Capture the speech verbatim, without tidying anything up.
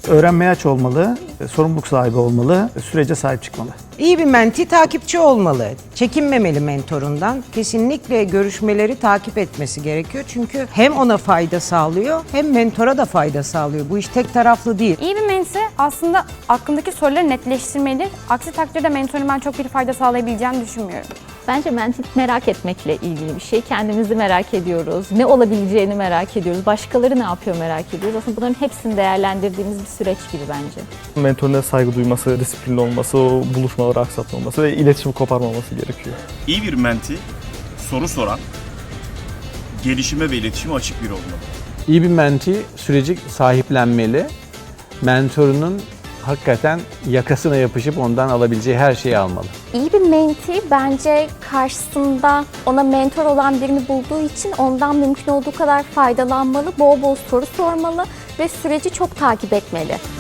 Öğrenmeye aç olmalı, sorumluluk sahibi olmalı, sürece sahip çıkmalı. İyi bir menti takipçi olmalı. Çekinmemeli mentorundan. Kesinlikle görüşmeleri takip etmesi gerekiyor. Çünkü hem ona fayda sağlıyor hem mentora da fayda sağlıyor. Bu iş tek taraflı değil. İyi bir menti aslında aklındaki soruları netleştirmeli. Aksi takdirde mentorun ben çok bir fayda sağlayabileceğini düşünmüyorum. Bence mentorluk merak etmekle ilgili bir şey. Kendimizi merak ediyoruz. Ne olabileceğini merak ediyoruz. Başkaları ne yapıyor merak ediyoruz. Aslında bunların hepsini değerlendirdiğimiz bir süreç gibi bence. Mentoruna saygı duyması, disiplinli olması, o buluşmaları aksatmaması ve iletişimi koparmaması gerekiyor. İyi bir menti, soru soran, gelişime ve iletişime açık biri olmalı. İyi bir menti süreci sahiplenmeli. Mentorunun hakikaten yakasına yapışıp ondan alabileceği her şeyi almalı. İyi bir menti bence karşısında ona mentor olan birini bulduğu için ondan mümkün olduğu kadar faydalanmalı, bol bol soru sormalı ve süreci çok takip etmeli.